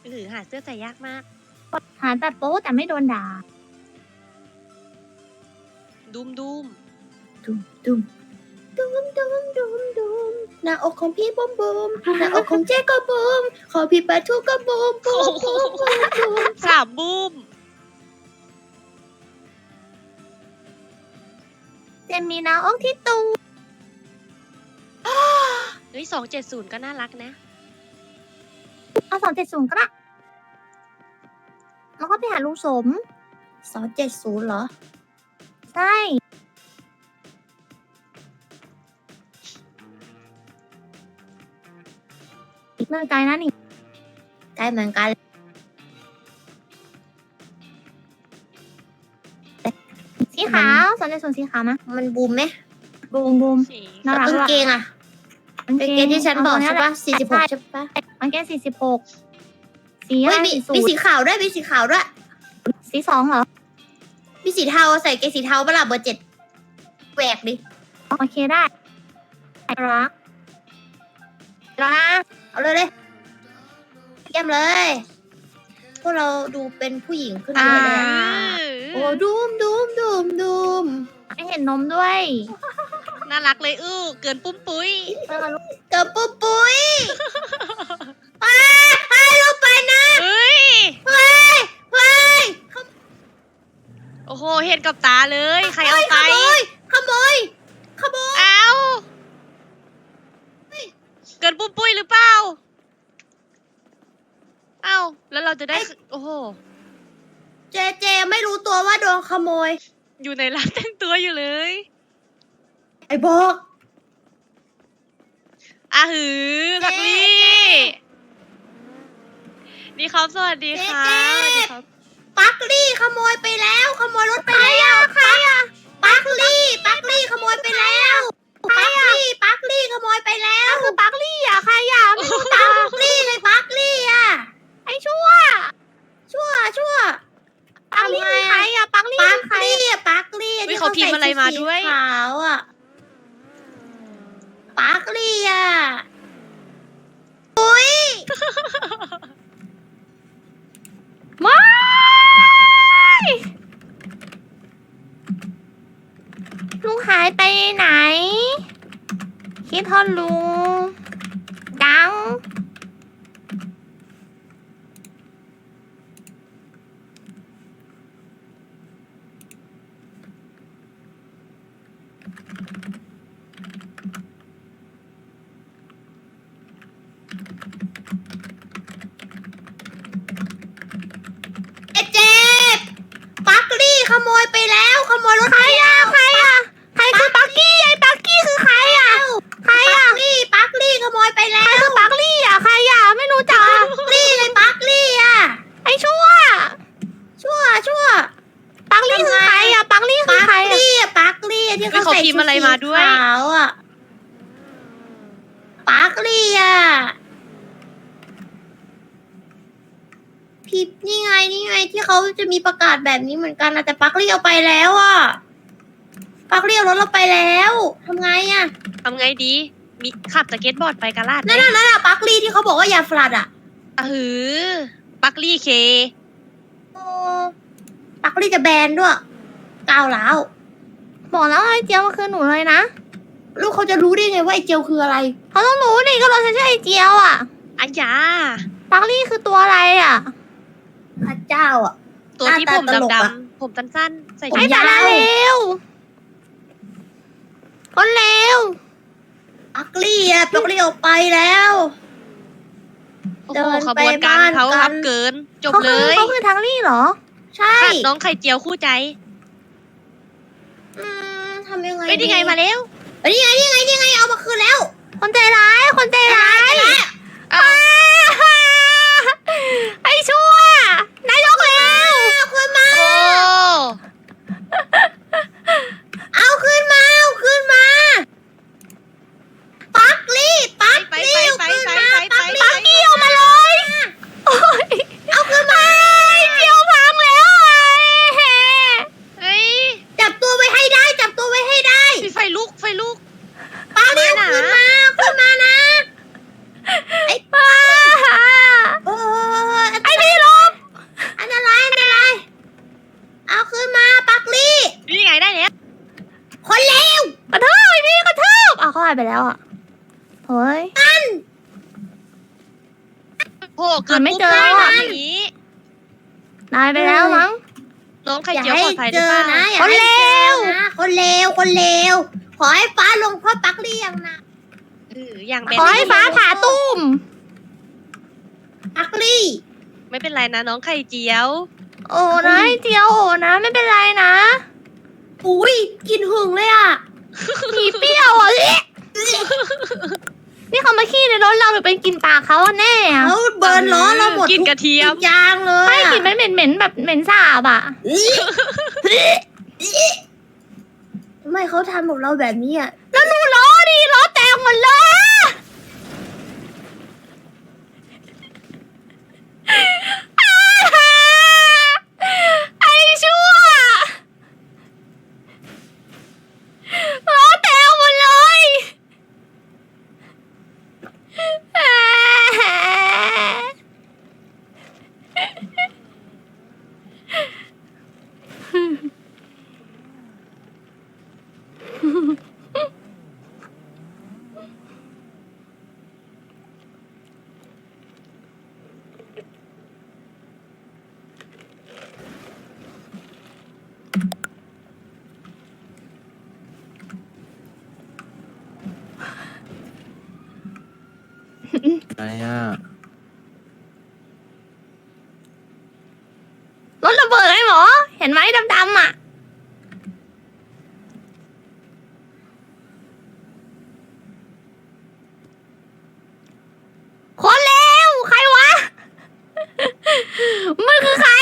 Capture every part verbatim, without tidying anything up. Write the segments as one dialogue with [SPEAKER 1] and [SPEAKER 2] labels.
[SPEAKER 1] หรือหาเสื้อใส่ยากมาก
[SPEAKER 2] หาแต่โป๊แต่ไม่โดนด่า
[SPEAKER 1] ดุมดุม
[SPEAKER 3] ดุมดุมดุมดุมดุมดุมหน้าอกของพี่บุมบุมหน้าอกของเจ๊ก็บุมขอพี่ปลาทูก็บุมบุมบุมบุมบุม
[SPEAKER 1] สามบูม
[SPEAKER 2] เจนมีน้าอกที่ตู
[SPEAKER 1] เฮ้ยสองเจ็ดศูนย์ก็น่ารักนะ
[SPEAKER 2] เอาสองเจ็ดศูนย์ก็ได้แล้วก็ไปหาลุงสม
[SPEAKER 3] สองเจ็ดศูนย์เหรอ
[SPEAKER 2] ใช่เลิกใจนะนี่
[SPEAKER 3] ใกล้เหมือนกัน
[SPEAKER 2] สีขาวสองเจ็ดศูนย์สีขาวนะ
[SPEAKER 3] มันบูมไหม
[SPEAKER 2] บูมบูม
[SPEAKER 1] สี
[SPEAKER 2] น่ารัก
[SPEAKER 3] กาง
[SPEAKER 2] ละ
[SPEAKER 3] เกงอะกางเกงที่ฉันบอกใช่ปะสี่สิบหกใช่ปะ
[SPEAKER 2] กางเกงสี่สิบหกสีอะ
[SPEAKER 3] เฮ้
[SPEAKER 2] ไร
[SPEAKER 3] ยมี
[SPEAKER 2] สีสู
[SPEAKER 3] มี
[SPEAKER 2] ท
[SPEAKER 3] สีขาวด้วยมีสีขาวด้วย
[SPEAKER 2] สีสองเหรอ
[SPEAKER 3] มีสีเทาใส่เกงสีเทาเปะล่าเบอร์เจ็ดแหวกดิ
[SPEAKER 2] โอเคได้รักรัก
[SPEAKER 3] เอาเลยเลยเยี่ยมเลย พวกเราดูเป็นผู้หญิงขึ้นเย
[SPEAKER 2] อ่า
[SPEAKER 3] อะเลยอะโอ้ดูมดูมดูมดูม
[SPEAKER 2] ให้เห็นนมด้วย
[SPEAKER 1] น่ารักเลยอื้อเกินปุ้มปุ้ย
[SPEAKER 2] เออลูก
[SPEAKER 3] เกิดปุ๊บปุ้ยอ้าให้ลูกไปนะ
[SPEAKER 1] เฮ้ย
[SPEAKER 3] เฮ้ยเฮ้ย
[SPEAKER 1] โอ้โห เห็นกับตาเลย ใครเอาไป
[SPEAKER 3] ขโมยขโมยขโมย
[SPEAKER 1] เอาเกินปุ้มปุ้ยหรือเปล่า เอ้า แล้วเราจะได้ โอ้โห
[SPEAKER 3] เจเจไม่รู้ตัวว่าโดนขโมย
[SPEAKER 1] อยู่ในร้านแต่งตัวอยู่เลย
[SPEAKER 3] ไอ้บอก
[SPEAKER 1] อ่ะหือพักลี่ นี่ครับสวัสดีครับสวัสดีครับ
[SPEAKER 3] ปักลี่ขโมยไปแล้ว ขโมยรถไปแล้วใครอะปักลี่ปักลี่ขโมยไปแล้วปักลี่ปักลี่ขโมยไปแล้ว
[SPEAKER 2] คือปักลี่อ่ะใครอ่ะไม่รู้จั
[SPEAKER 3] ปั
[SPEAKER 2] ก
[SPEAKER 3] กลี่เลยปักลี่อะ
[SPEAKER 2] ไอ้ชั่ว
[SPEAKER 3] ชั่วชั่ว
[SPEAKER 2] ปักลี่คือใครอ่ะปักลี่
[SPEAKER 3] ปั
[SPEAKER 2] คื
[SPEAKER 3] ก
[SPEAKER 2] อใคร
[SPEAKER 3] ลี่อะปักลี่
[SPEAKER 1] เฮ้ยเขาพิมพ์อะไรมาด้วย
[SPEAKER 3] ขาวอะปักลี่อะอุ้ย
[SPEAKER 2] ไม่ลุงหายไปไหน คิดทอดลุงดัง
[SPEAKER 3] เอเจปักลี่ขโมยไปแล้วขโมยรถ
[SPEAKER 2] ใครอ่ะใครอ่ะใครคือปักกี้ไอ้ปักกี้คือใครอ่ะใคร
[SPEAKER 3] ปั
[SPEAKER 2] อ่ะ
[SPEAKER 3] กลี่ปักลี่ขโมยไป
[SPEAKER 2] ใคร
[SPEAKER 3] แล้ว
[SPEAKER 2] คือปักลี่อ่ะใครอ่ะไม่รู้จัก
[SPEAKER 3] ปักลี่เลยปักลี่อ่ะ
[SPEAKER 2] ไอ้ชั่ว
[SPEAKER 3] ชั่วชั่ว
[SPEAKER 2] ปักลี่คือใครอ่ะปักลี่คือ
[SPEAKER 3] ปัก
[SPEAKER 2] ใครอ่ะ
[SPEAKER 3] ลี่อะปักลี่ที่
[SPEAKER 1] เฮ้ย
[SPEAKER 3] เขา
[SPEAKER 1] เขา
[SPEAKER 3] ใส่
[SPEAKER 1] พิ
[SPEAKER 3] ชุ
[SPEAKER 1] มพ์อะไรมาด้วย
[SPEAKER 3] สีขาวอ่ะปักลี่อ่ะพิมพ์นี่ไงนี่ไงที่เขาจะมีประกาศแบบนี้เหมือนกันนะแต่ปักลี่เอาไปแล้วอ่ะปักลี่เอารถเราไปแล้วทำไงอ่ะ
[SPEAKER 1] ทำไงดี มีขับสเก็ตบอร์ดไปกาลาดไหม
[SPEAKER 3] นั่นน่ะนั่นน่ะปักลี่ที่เขาบอกว่าอย่าฟลัดอ่ะ
[SPEAKER 1] อ่ะหือ ปักลี่เค
[SPEAKER 3] โอ้ปักลี่จะแบนด้วยก้าวร้าว
[SPEAKER 2] บอกแล้วไอ้เจียวมันคือหนูเลยนะ
[SPEAKER 3] ลูกเขาจะรู้ได้ไงว่าไอ้เจลคืออะไร
[SPEAKER 2] เขาต้องรู้ดิก็เราฉันชื่อไอ้เจียวอ่ะ
[SPEAKER 1] อันยา
[SPEAKER 2] ปักลี่คือตัวอะไรอ่ะ
[SPEAKER 3] พระเจ้าอ่ะ
[SPEAKER 1] ตัวที่
[SPEAKER 3] หน้า
[SPEAKER 1] ผ
[SPEAKER 3] ตาม ตลก
[SPEAKER 1] ดำ
[SPEAKER 3] อะ
[SPEAKER 1] ๆผมสั้นๆ ใส่
[SPEAKER 3] ผม
[SPEAKER 1] ชุ
[SPEAKER 2] ไอ้
[SPEAKER 1] ด
[SPEAKER 3] ยาว
[SPEAKER 2] สาระเลวคนเลว
[SPEAKER 3] ปักลี่อ่ะปักลี่ออกไปแล้ว
[SPEAKER 1] โอ้
[SPEAKER 3] เดิ
[SPEAKER 1] โห
[SPEAKER 3] น
[SPEAKER 1] ข
[SPEAKER 3] ไป
[SPEAKER 1] บวนการ
[SPEAKER 3] บ้าน
[SPEAKER 1] เขา
[SPEAKER 3] กัน
[SPEAKER 1] ครับเกิน จบ
[SPEAKER 2] เขา
[SPEAKER 1] เล
[SPEAKER 2] คือย เขาคือทางลี่เหรอ
[SPEAKER 3] ใช่
[SPEAKER 1] ค่ะน้องไข่เจียวคู่ใจ
[SPEAKER 3] อืมทำยังไง
[SPEAKER 1] เอ้ยนี่ไงมาแล้ว
[SPEAKER 3] เอ้ยนี่ไงนี่ไงนี่ไงเอามาคืนแล้ว
[SPEAKER 2] คนใจร้าย คนใจร้าย
[SPEAKER 1] อ้าว
[SPEAKER 2] ไอ้ชั่วนายกแล้ว
[SPEAKER 3] เอาคืนมา
[SPEAKER 1] โอ้
[SPEAKER 3] เอาคืนมาเอาคืนมาปักลี่ปัก
[SPEAKER 1] ไป
[SPEAKER 3] ลี่
[SPEAKER 1] ไป
[SPEAKER 3] เอา
[SPEAKER 1] ไป
[SPEAKER 3] คืน
[SPEAKER 1] ไป
[SPEAKER 3] มา
[SPEAKER 1] ไป
[SPEAKER 3] ปัก
[SPEAKER 1] ไป
[SPEAKER 3] ลี่
[SPEAKER 2] ปักกี้ออกมาเลยโอ้ย
[SPEAKER 3] เอาคืนมา
[SPEAKER 2] เจียวพังแล้วไอ้แห่
[SPEAKER 1] เฮ้ย
[SPEAKER 3] จับตัวไว้ให้ได้จับตัวไว้ให้ได้
[SPEAKER 1] มีไฟลุกไฟลุก
[SPEAKER 3] ปักลี่
[SPEAKER 1] ไหน
[SPEAKER 2] อยไปแล้วอ่ะเฮ้ย
[SPEAKER 1] โอ้โหเกิด
[SPEAKER 2] ไม่
[SPEAKER 1] ปุ๊บ
[SPEAKER 2] เจอ
[SPEAKER 1] ได้
[SPEAKER 2] แล้ว
[SPEAKER 1] แบ
[SPEAKER 2] อะ
[SPEAKER 1] บอย่างนี้
[SPEAKER 2] ตายไปแล้วมั้ง
[SPEAKER 1] น้องไข่
[SPEAKER 3] อย่า
[SPEAKER 1] เจียว
[SPEAKER 3] ให้
[SPEAKER 1] ปลอดภัยห
[SPEAKER 3] เจ
[SPEAKER 1] รือ
[SPEAKER 3] อ
[SPEAKER 1] เปล่า
[SPEAKER 3] นะอย่าให้เจอนะคนเลวคนเลวขอให้ฟ้าลงโทษปักเลี่ยงนะ
[SPEAKER 1] เอออย่างแบ
[SPEAKER 2] ขอให้ฟ้าผ่าตุ้ม
[SPEAKER 3] ปักลี่
[SPEAKER 1] ไม่เป็นไรนะน้องไข่เจียว
[SPEAKER 2] โอ้นะไอ้เจียวโอ้นะไม่เป็นไรนะ
[SPEAKER 3] อุ้ยกินหึงเลยอ่ะ
[SPEAKER 2] ผีเปรี้ยวอ่ะเอ๊ะนี่เขามาขี้ในรถเราหรือเป็นกินปากเขาอะแน่อะ
[SPEAKER 3] เขาเบิร์นล้อเราหมด
[SPEAKER 1] กินกระเทียม
[SPEAKER 3] ทุกอย่างเลย
[SPEAKER 2] ไม่
[SPEAKER 3] อะ
[SPEAKER 2] กลิ่นมันเหม็นเหม็นๆแบบเหม็นสาบอ่ะ
[SPEAKER 3] ทำไมเขาทำกับเราแบบนี้อ่ะ
[SPEAKER 2] แล้วดูล้อดิล้อแตกหมดเลยอะไอ้ชั่วล้อแตกหมดเลย
[SPEAKER 4] อะไรอ่ะ
[SPEAKER 2] รถระเบิดไอ้หมอ เห็นไหมดำๆอ่ะ คนเลวใครวะ มันคือใคร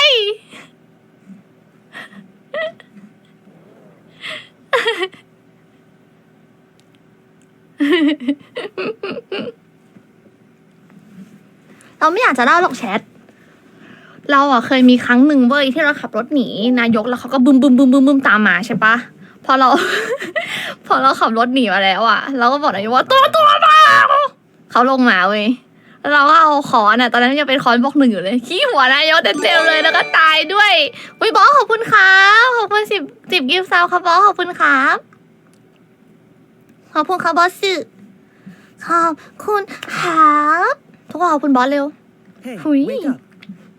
[SPEAKER 2] เราไม่อยากจะเล่าหรอกแชท เราอ่ะเคยมีครั้งหนึ่งเว้ยที่เราขับรถหนีนายกแล้วเขาก็บึมบึมบึมบึมบึมตามมาใช่ปะพอเรา พอเราขับรถหนีมาแล้วอ่ะเราก็บอกนายกว่าตัวตัวมาเขาลงมาเว้ยแล้วเราก็เอาคอนอ่ะตอนนั้นยังเป็นคอนบล็อกหนึ่งอยู่เลยขี้หัวนายกเต็มๆเลยแล้วก็ตายด้วยวิบอสขอบคุณครับขอบคุณสิบสิบกิฟต์ซาวครับบอสขอบคุณครับขอบคุณครับบอสสื่อขอบคุณครับทุกคนขอบคุณบอสเร็ว
[SPEAKER 5] Hey,
[SPEAKER 2] Hui.
[SPEAKER 5] wake up.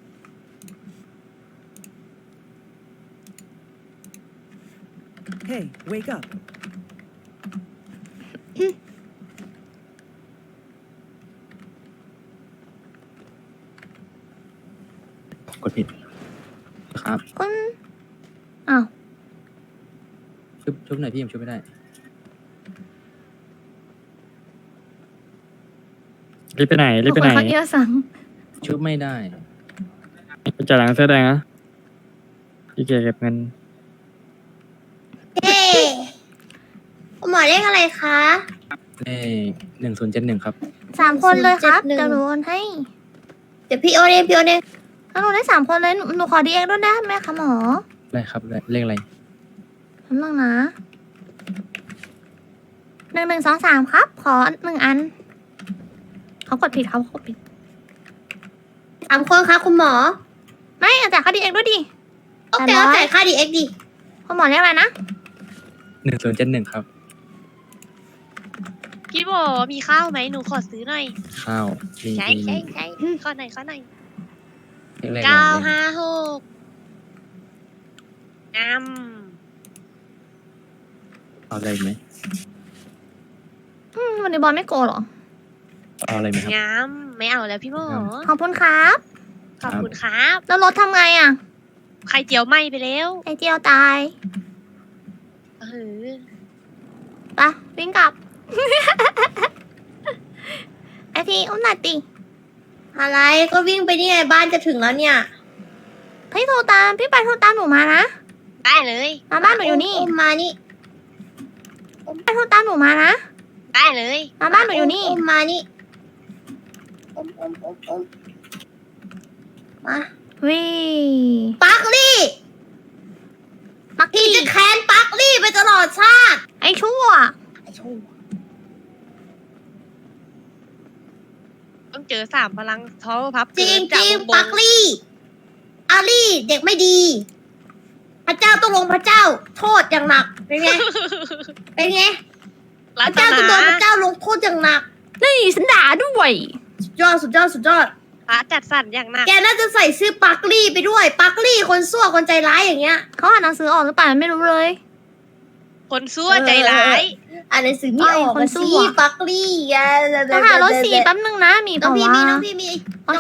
[SPEAKER 5] Hey, wake up.
[SPEAKER 4] กดผิดครับ
[SPEAKER 2] คุณอ้าว
[SPEAKER 4] ชุบชุบหน่อยพี่ผมชุบไม่ได้
[SPEAKER 6] รีบไปไหนรีบไปไหน
[SPEAKER 2] เขาเอียสัง
[SPEAKER 4] ชุบไม่ได้
[SPEAKER 6] ไปจ่ายหลังเสื้อแดงนะพี่เกเก็บเงิน
[SPEAKER 3] เฮ้คุณหมอเรียกอะไรคะ
[SPEAKER 4] เลขหนึ่งศูนย์เจ็ดหนึ่งครับ
[SPEAKER 2] สามคนเลยครับ
[SPEAKER 3] หนึ่ง
[SPEAKER 2] เดี๋ยวหนูโอนให้
[SPEAKER 3] เดี๋ยวพี่โอเองพี่โอเอง
[SPEAKER 2] ถ้าหนูได้สามคนเลยหนูหนูขอดีเอ็กด้วยได้ไหมคะหมอ
[SPEAKER 4] ได้ครับเลขเลขอะไร
[SPEAKER 2] ทำบ้างนะหนึ่งหนึ่งสองสามครับ ขอหนึ่งอัน เขากดผิดเขากดผิด
[SPEAKER 3] สามคนคะคุณหมอ
[SPEAKER 2] ไม่เอาจ่ายค่าดีเอ็กด้วยดิ
[SPEAKER 3] โอเคเอาจ่ายค่าดีเอ็กดี
[SPEAKER 2] คุณหมอเรียกอะไรนะ
[SPEAKER 4] หนึ่งศูนย์เจ็ดหนึ่งครับ
[SPEAKER 1] พี่โบมีข้าวไหมหนูขอซื้อหน่อย
[SPEAKER 4] ข้าวมี
[SPEAKER 1] ใช่
[SPEAKER 4] มี
[SPEAKER 1] ใช่ใช่ข้อหน่อยข้อหน่อย
[SPEAKER 4] เลขอะไร
[SPEAKER 1] เก้า
[SPEAKER 4] เลข
[SPEAKER 1] ห้าหกงาม
[SPEAKER 4] เอาอะไรไหม
[SPEAKER 2] อืมวันนี้บอลไม่โกรธเหรอ
[SPEAKER 4] เอาอะไรไหมครับ
[SPEAKER 1] งามไม่เอาแล้วพี่โบ
[SPEAKER 4] งาม
[SPEAKER 2] ขอบคุณครับ
[SPEAKER 1] ขอบคุณครับ
[SPEAKER 2] แล้วรถทำไงอ่ะ
[SPEAKER 1] ไข่เจียวไหม้ไปแล้ว
[SPEAKER 2] ไอเจียวตาย
[SPEAKER 1] เออ
[SPEAKER 2] ไปะวิ่งกลับ ไอทีอุ้มหน่อยติ
[SPEAKER 3] อะไรก็วิ่งไปนี่ไงบ้านจะถึงแล้วเนี่ย
[SPEAKER 2] พี่โทรตามพี่ไปโทรตามหนูมานะ
[SPEAKER 1] ได้เลย
[SPEAKER 2] มาบ้านหนูอยู่นี่
[SPEAKER 3] มมานี่
[SPEAKER 2] ไปโทรตามหนูมานะ
[SPEAKER 1] ได้เลย
[SPEAKER 2] มาบ้านหนูอยู่นี่
[SPEAKER 3] มมานี่อมอมอมอมมา
[SPEAKER 2] วิ
[SPEAKER 3] ปักลี่
[SPEAKER 2] มัก
[SPEAKER 3] พี่
[SPEAKER 2] กี้
[SPEAKER 3] จะแค้นปักลี่ไปตลอดชาติ
[SPEAKER 2] ไอชั่ว
[SPEAKER 3] ไอ้ชู้
[SPEAKER 1] ต้องเจอสามพลังท้อพับ
[SPEAKER 3] จริง
[SPEAKER 1] เกิน
[SPEAKER 3] จ
[SPEAKER 1] จาก
[SPEAKER 3] ริง
[SPEAKER 1] วงบ
[SPEAKER 3] ปั
[SPEAKER 1] น
[SPEAKER 3] กลี่ อาลี่เด็กไม่ดี พระเจ้าต้องลงพระเจ้า โทษอย่างหนัก เป็นไง เป็นไง
[SPEAKER 1] รั
[SPEAKER 3] พระ
[SPEAKER 1] ต
[SPEAKER 3] เจ้าจะโดนพ
[SPEAKER 1] นา
[SPEAKER 3] ระเจ้าลงโทษอย่างหนัก
[SPEAKER 2] นี่ฉันด่าด้วย
[SPEAKER 3] สุดยอดสุดยอดสุดยอด
[SPEAKER 1] พระจัดสรรอย่างหนัก
[SPEAKER 3] แกน่าจะใส่ชื่อปักลี่ไปด้วย ปักลี่คนซั่วคนใจร้ายอย่างเงี้ย
[SPEAKER 2] เขาอ่านหนังสือออกหรือเปล่าไม่รู้เลย
[SPEAKER 1] คนซั่วใจร้าย
[SPEAKER 3] อ่านหนังสือไม่ออก
[SPEAKER 2] คน
[SPEAKER 3] อะ
[SPEAKER 2] ซั่
[SPEAKER 3] สิ
[SPEAKER 2] ว
[SPEAKER 3] ปักลี่อ่ะ
[SPEAKER 2] ต้องหารถสีแป๊บนึงนะมี
[SPEAKER 3] น้อง
[SPEAKER 2] เปล่า
[SPEAKER 3] พี่มี
[SPEAKER 2] วะ
[SPEAKER 3] น้องพี่มี